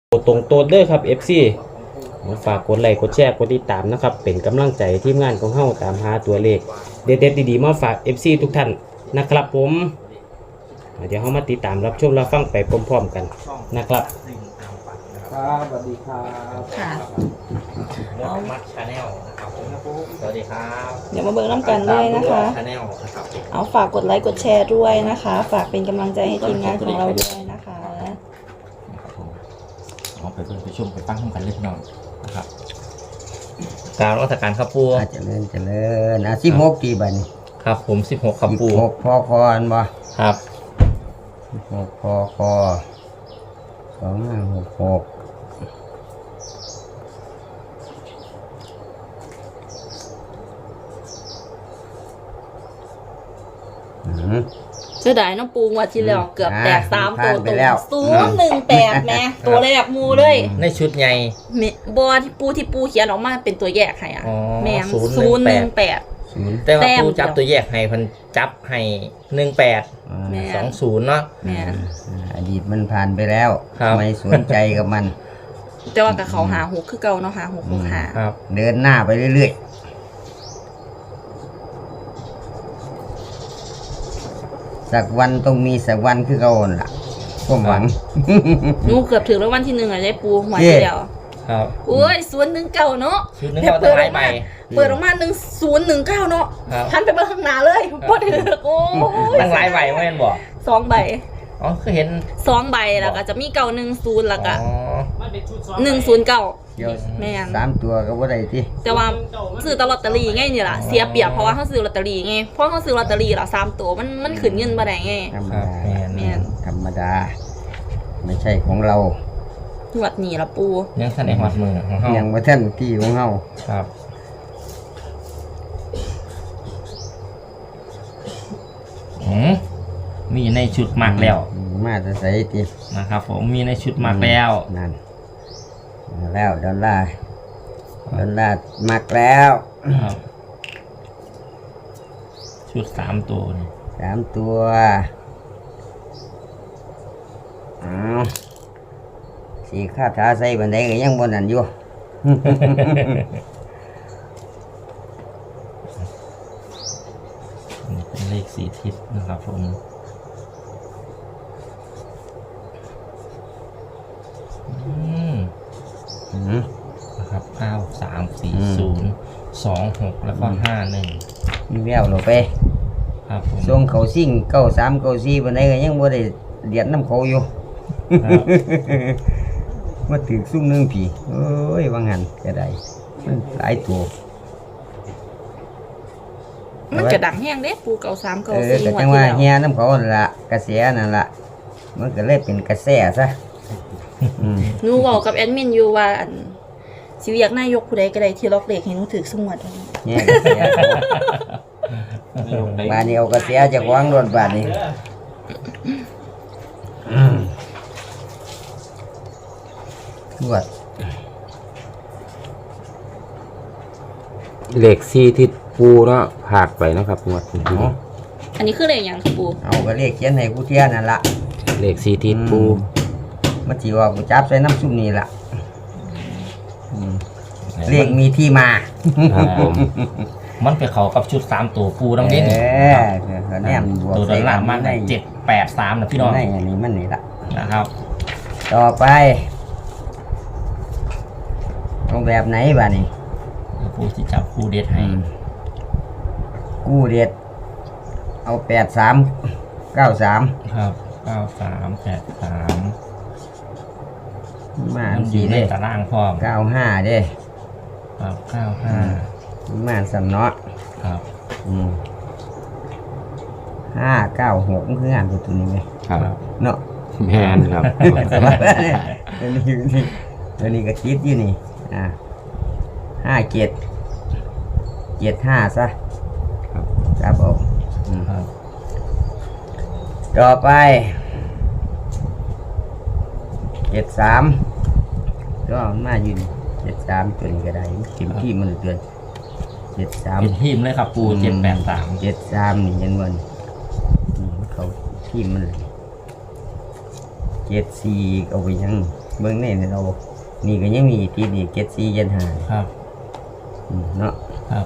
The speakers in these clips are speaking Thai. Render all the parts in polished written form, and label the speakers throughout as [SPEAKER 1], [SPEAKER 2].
[SPEAKER 1] กดตรงตัวเด้อครับ FC ฝากกดไลค์กดแชร์กดติดตามนะครับเป็นกำลังใจทีมงานของเฮาตามหาตัวเลขเด็ดๆดีๆมาฝาก FC ทุกท่านนะครับผมเดี๋ยวเฮามาติดตามรับชมรับฟังไปพร้อมๆกันนะครับ
[SPEAKER 2] ครับสวัสดีครับ
[SPEAKER 3] ค่ะ
[SPEAKER 2] เอามัดชาแนลนะครับสวัสดีครับ
[SPEAKER 3] เดี๋ยวมาเบิกน้ำกันด้วยนะคะ
[SPEAKER 2] ชาแนลนะครับ
[SPEAKER 3] เอาฝากกดไลค์กดแชร์ด้วยนะคะ ฝากเป็นกำลังใจให้ทีมงานของเราด้วยนะคะ
[SPEAKER 2] เอาไปเพื่อนไปชมไปฟังกันเล็กน้อยนะครับกล่าวรัชการครับปู
[SPEAKER 4] เจริญ16กี่บัดนี้
[SPEAKER 2] ครับผม16ครับปู
[SPEAKER 4] 16พอคอนบ่
[SPEAKER 2] ครับ
[SPEAKER 4] 16พอคอ2566
[SPEAKER 3] เสียดายน้องปูงวดที่แล้วเกือบแตก3ตัวตรง018แม่ตัวแรกมูเลย
[SPEAKER 2] ในชุดใหญ่
[SPEAKER 3] บอที่ปูเขียนออกมาเป็นตัวแยกให้อ่ะแม่018
[SPEAKER 2] แต่ว่าปูจับตัวแยกให้พันจับให้18 20เนาะ
[SPEAKER 3] แม่
[SPEAKER 4] อดีตมันผ่านไปแล้วไม่สนใจกับมัน
[SPEAKER 3] แต่ว่ากับเขาหา6คือเก่าเนาะหา6 6 5
[SPEAKER 2] ครับ
[SPEAKER 4] เดินหน้าไปเรื่อยๆสักวันต้องมีสักวันคือเก่าล่ะผมหวัง
[SPEAKER 3] นูเกือบถึงแล้ววันที่1อ่ะได้ปูหัวที่เดียว
[SPEAKER 2] ครับ
[SPEAKER 3] โอ้ย019เนาะ
[SPEAKER 2] เปิดออกมา
[SPEAKER 3] 1019เนาะทันไปเบิ่งข้างหน้าเลยบ่ถึกโอ้ย
[SPEAKER 2] ตั้งหลายใบแม่นบ่
[SPEAKER 3] 2ใบ
[SPEAKER 2] อ๋อคือเห็น
[SPEAKER 3] 2ใบแล้วก็จะมี910แล้วก็109แม่น
[SPEAKER 4] 3ตัวก็บ่ได้ติ
[SPEAKER 3] แต่ว่าซื้อตลอดตอรี่ไงนี่ล่ะเสียเปรียบเพราะว่าเฮาซื้อลอตเตอรี่ไงเพราะเฮาซื้อลอตเตอรี่ล่ะ3ตัวมันขึ้นเงินบ่ได้ไง
[SPEAKER 4] ธรรมดาแม่นธรรมดาไม่ใช่ของเรา
[SPEAKER 3] หวดนี่ล่ะปู
[SPEAKER 2] ยังทันได้หอดมือของเฮา
[SPEAKER 4] ยังบ่ทันที่ของเฮา
[SPEAKER 2] ครับมีในชุดหมักแล้ว
[SPEAKER 4] มาจะใส่ติ
[SPEAKER 2] นะครับผมมีในชุดหมักแล้ว
[SPEAKER 4] นั่นแล้วดอลลาร์หมักแล้ว
[SPEAKER 2] ชุด3ตัวนี่
[SPEAKER 4] 3ตัวสีคาถาใส่บันไดก็ยังบนนั่นอยู่
[SPEAKER 2] นี่เป็นเลข4ทิศนะครับผมนะครับ9 3 4 0 2 6แล้วก็51
[SPEAKER 4] มีแววลงไป
[SPEAKER 2] ครับผม
[SPEAKER 4] ส่งเขาซิ่ง93 94บันไดก็ยังบ่ได้เดียดน้ำเขาอยู่มาถึงซุ่มนึงผีเอ้ยว่างั้นก็ได้มันหลายตัว
[SPEAKER 3] มันจะดังแห้งเด้ปู93 94
[SPEAKER 4] ก็จังว่าเฮียน้ำเขาล่ะกระแสนั่นล่ะมันก็เลยเป็นกระแสซะ
[SPEAKER 3] หนูบอกกับแอดมินอยู่ว่าสิอยากนายกผู้ใดก็ได้ที่ล็อกเลขให้หนูถือสงวด
[SPEAKER 4] เนี่ยกระแสบาดนี้เอากระแสจากวางรถบาดนี้ทวด
[SPEAKER 1] เลข4ที่ปูเนาะผากไปนะครับงวดนี้
[SPEAKER 3] อันนี้คือเลขหยังปู
[SPEAKER 4] เอาก็เลขเขียนให้กูเทียนั่นล่ะ
[SPEAKER 1] เลข4ที่ปู
[SPEAKER 4] มันสิว่ากูจับใส่น้ำซุปนี่ล่ะเลขมีที่มา
[SPEAKER 1] ครับผม
[SPEAKER 2] มันไปเข้ากับชุด3ตัวปูน้ำเด่น
[SPEAKER 4] แนมบวก
[SPEAKER 2] ตัวด้านล่างมันได้783นะพี่น้อง
[SPEAKER 4] นี่อันนี้มันนี่ล่ะ
[SPEAKER 2] นะครับ
[SPEAKER 4] ต่อไปเอาแบบไหนบ้านี่
[SPEAKER 2] ปูที่จับคู่เด็ดให้
[SPEAKER 4] คู่เด็ดเอา83 93
[SPEAKER 2] ครับ93 83
[SPEAKER 4] มา
[SPEAKER 2] อยู่ในตารางพร้อม
[SPEAKER 4] 95เด้
[SPEAKER 2] ครับ95
[SPEAKER 4] มาสั่นเนาะ
[SPEAKER 2] ครับ
[SPEAKER 4] 596มันคืองานตัวนี้ไหม
[SPEAKER 1] ครับ
[SPEAKER 4] เนาะ
[SPEAKER 1] แม่นครับ
[SPEAKER 4] ตัวนี้ก็คิดอยู่นี่57 75ซะครับผมต่อไป73ก็มาอยู่73ตัวนี้ก็ได้เข็มที่มันเตือน73
[SPEAKER 2] เป็นทีมเลยครับปู783
[SPEAKER 4] 73นี่เห็นบ่นี่เขาที่มัน74เอาไปยังเบิ่งนี่เรานี่ก็ยังมีที่ดีเจ็ดสี่เจ็ดห้า
[SPEAKER 2] ครับ
[SPEAKER 4] เนาะ
[SPEAKER 2] ครับ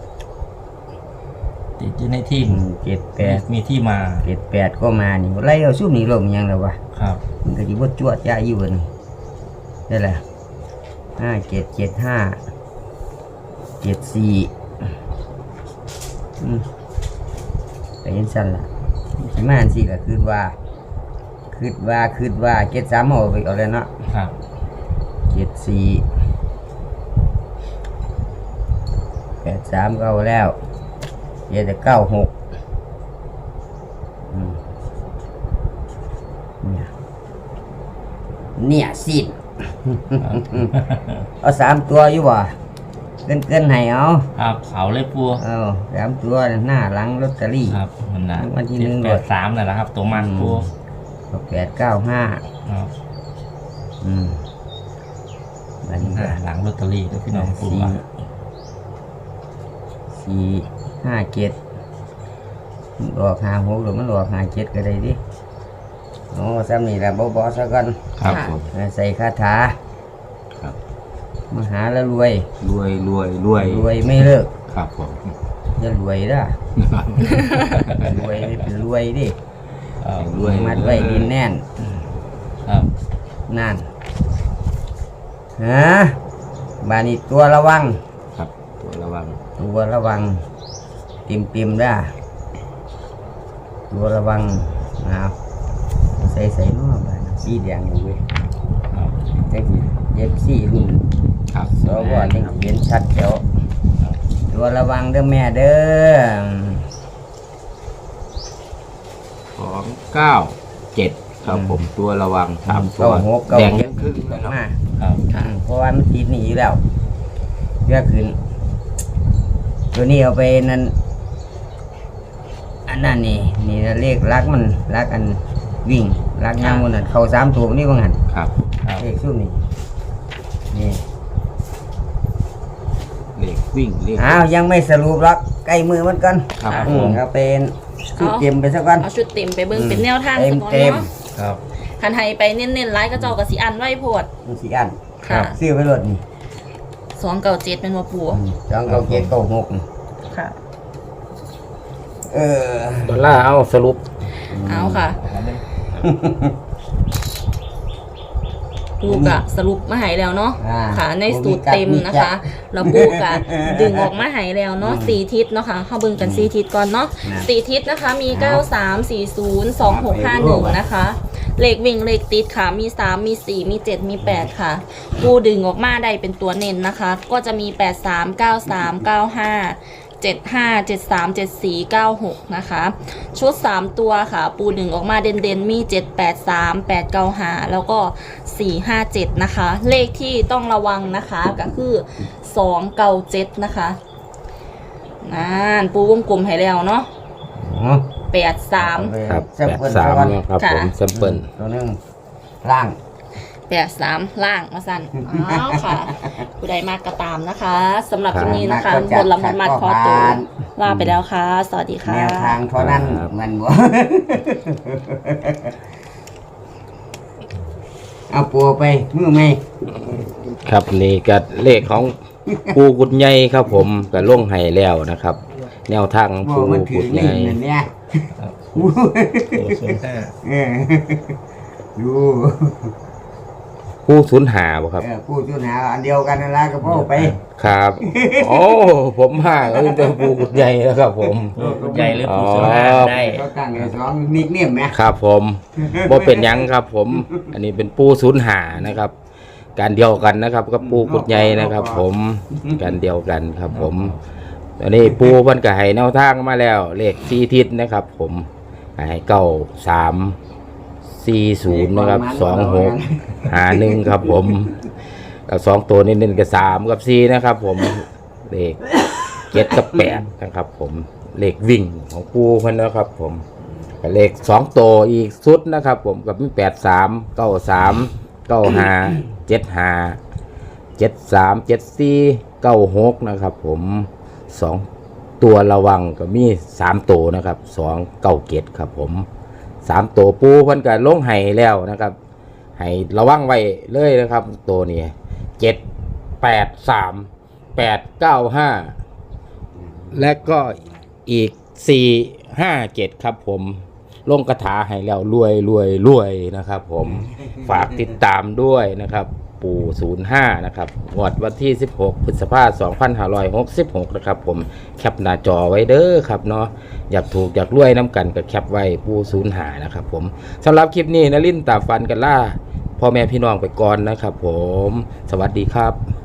[SPEAKER 2] ติดอยู่ในทีม
[SPEAKER 4] เจ็ดแปด
[SPEAKER 2] มีที่มา
[SPEAKER 4] เจ็ดแปดก็มานี่ไล่เอาซุ่มนี่ลมยังแล้ววะ
[SPEAKER 2] ครับ
[SPEAKER 4] มันก็จะบดจวดจ้าอยู่บนนี่แหละ5775 74แต่ยังสั้นล่ะสิมาอันสิก็คือว่า73เอาไปเอาแล้วเนาะ
[SPEAKER 2] ครับ
[SPEAKER 4] 74 83ก็เอาแล้วเดี๋ยวจะ96เนี่ยสิ้น เอา3ตัวอยู่บ่เกินให้เอา
[SPEAKER 2] ครับเขาเลยปู
[SPEAKER 4] เอา3ตัวหน้าหลังลอตเตอรี่
[SPEAKER 2] ครับมันนะ
[SPEAKER 4] วันที่หนึ่ง
[SPEAKER 2] 783นั่นแหละครับ ตัวมันปู
[SPEAKER 4] 895
[SPEAKER 2] ครับ
[SPEAKER 4] อันนี้ก็
[SPEAKER 2] หลังลอตเตอรี่ด้วยพี่น้องปูว่า
[SPEAKER 4] 457มันออก56หรือมันออก57ก็ได้ดิโอ้ซ้ำนี่แหละบ่ซะก่อน
[SPEAKER 2] ครับผม
[SPEAKER 4] ใส่คาถา
[SPEAKER 2] ครับ
[SPEAKER 4] มหาแล้วรวย
[SPEAKER 2] รวย
[SPEAKER 4] รวยไม่เลิก
[SPEAKER 2] ครับผม
[SPEAKER 4] อย่ารวยนะ รวยเป็นรวยดิ
[SPEAKER 2] รวย
[SPEAKER 4] มัดไว้ดินแน่น
[SPEAKER 2] ครับ
[SPEAKER 4] นั่นฮะบานี่ตัวระวัง
[SPEAKER 2] ครับตัวระวัง
[SPEAKER 4] ตัวระวังติมได้ตัวระวังเอาใส่เนาะบานสีแดงอยู่เว้ย
[SPEAKER 2] ครับ
[SPEAKER 4] จังสิเย็บสีรุ่น
[SPEAKER 2] ครับ
[SPEAKER 4] สวจังสิเห็นชัดแจ๋วตัวระวังเด้อแม่เด้อ
[SPEAKER 2] 297ครับผมตัวระวัง3ตัว
[SPEAKER 4] 96
[SPEAKER 2] แดงยังครึ่ง
[SPEAKER 4] อ
[SPEAKER 2] นะ
[SPEAKER 4] อก
[SPEAKER 2] ครับ
[SPEAKER 4] มา
[SPEAKER 2] ครับ
[SPEAKER 4] เพราะว่ามันติดหนีอยู่แล้วเพื่อขึ้นตัวนี้เอาไปนั่นอันนั้นนี่เลขรักมันรักอันวิ่งรักย่างมันนั่นเข้า3ตัวนี่ว่างั้น
[SPEAKER 2] ครับครับ
[SPEAKER 4] เลขซุ่มนี่
[SPEAKER 2] เลขวิ่งเลข
[SPEAKER 4] อ้าวยังไม่สรุปหรอกใกล้มือมันกัน
[SPEAKER 2] ครับ
[SPEAKER 4] เอาเป็นชุดเต็มไปสักวัน
[SPEAKER 3] เอาชุดเต็มไปเบิ่งเป็นแนวทางสักก่อน
[SPEAKER 4] เต็ม
[SPEAKER 3] เนาะ
[SPEAKER 2] ครับ
[SPEAKER 3] คันให้ไปเน้นๆไลฟ์ก็เจ้าก็สิอันไว้โพด
[SPEAKER 4] มันสีอัน
[SPEAKER 3] ค่ะ
[SPEAKER 4] ซื้อไปรถนี่
[SPEAKER 3] 297เป็นบ่ปู
[SPEAKER 4] 29796นี่
[SPEAKER 3] ค่ะ
[SPEAKER 1] ดอลลาร์เอาสรุป
[SPEAKER 3] เอาค่ะปูกะสรุปมาให้แล้วเนาะ
[SPEAKER 4] อ่า
[SPEAKER 3] ค่ะ ในสูตรเต็มนะคะแล้วปูกะดึงออกมาให้แล้วเนาะ4ทิศเนาะค่ะเฮาเบิ่งกัน4ทิศก่อนเนาะ4ทิศนะคะมี 93402651 นะคะเลขวิ่งเลขติดค่ะมี3มี4มี7มี8ค่ะปูดึงออกมาได้เป็นตัวเน้นนะคะ ก็จะมี839395 75737496นะคะชุด3ตัวค่ะปูดึงออกมาเด่นๆมี783 895แล้วก็457นะคะเลขที่ต้องระวังนะคะก็คือ297นะคะนั่นปูวงกลมให้แล้วเนาะ83
[SPEAKER 1] ครับ
[SPEAKER 4] แซมเปิล
[SPEAKER 1] 83เนาะครับผมแซมเปิล
[SPEAKER 4] ตัวหนึงล่าง
[SPEAKER 3] 83ล่างมาสั่นอ้าวค่ะผู้ใดมากก็ตามนะคะสำหรับคลิปนี้นะคะบนลำพันมัดคอตัวลาไปแล้วค่ะ สวัสดีค่ะ
[SPEAKER 4] แนวทางเท่านั้นมันบ่ เอาปัวไปมือไหม
[SPEAKER 1] ครับนี่ก็เลขของปูกุดใหญ่ครับผมก็ลงให้แล้วนะครับ แนวทางของ
[SPEAKER 4] บ่
[SPEAKER 1] ปู
[SPEAKER 4] มันถื
[SPEAKER 1] กุ
[SPEAKER 4] อ
[SPEAKER 1] ด
[SPEAKER 4] เล่
[SPEAKER 1] ใหญ่
[SPEAKER 4] นนั่นเนี่ยเออดู
[SPEAKER 1] ปูสูญหาบ่ครับ
[SPEAKER 4] ผู้จุนหาอันเดียวกันนั่นละก็พ่อไป
[SPEAKER 1] ครับโอ้ผมห่างก็เป็นปูกุดใหญ่แล้วครับผม
[SPEAKER 2] ใหญ่หรือผู้
[SPEAKER 1] อ๋อ
[SPEAKER 2] สนได้
[SPEAKER 4] เขาตั้งให้2นิกเนียมไหม
[SPEAKER 1] ครับผมบ่เป็นหยังครับผม อันนี้เป็นปูสูญหานะครับ การเดียวกันนะครับกับปูกุดใหญ่นะครับ ผมการเดียวกันครับผมอันนี้ปูเพิ่นก็ให้แนวทางมาแล้ว เลข4ทิศนะครับ ผมให้9340นะครับ2651ครับผมแล้ว2ตัวนี้ๆก็3กับ4นะครับ ผมเลข7กับ8นะครับ ผมเลขวิ่งของปูเพิ่นนะครับ ผมกับเลข2ตัวอีกสุดนะครับ ผมกับมี83 93 95 75 73 74 96นะครับ ผม2ตัวระวังก็มี3ตัวนะครับ2 97ครับผม3ตัวปูเพิ่นก็ลงให้แล้วนะครับ
[SPEAKER 5] ให้ระวังไว้เลยนะครับตัวนี้783 895และก็อีก457ครับผมลงกระถาให้แล้วรวยนะครับผมฝากติดตามด้วยนะครับปู่05นะครับงวดวันที่16พฤษภาคม2566นะครับผมแคปหน้าจอไว้เด้อครับเนาะอยากถูกอยากรวยน้ำกันก็แคปไว้ปู่05นะครับผมสำหรับคลิปนี้นลินตาฟันกันล่าพ่อแม่พี่น้องไปก่อนนะครับผมสวัสดีครับ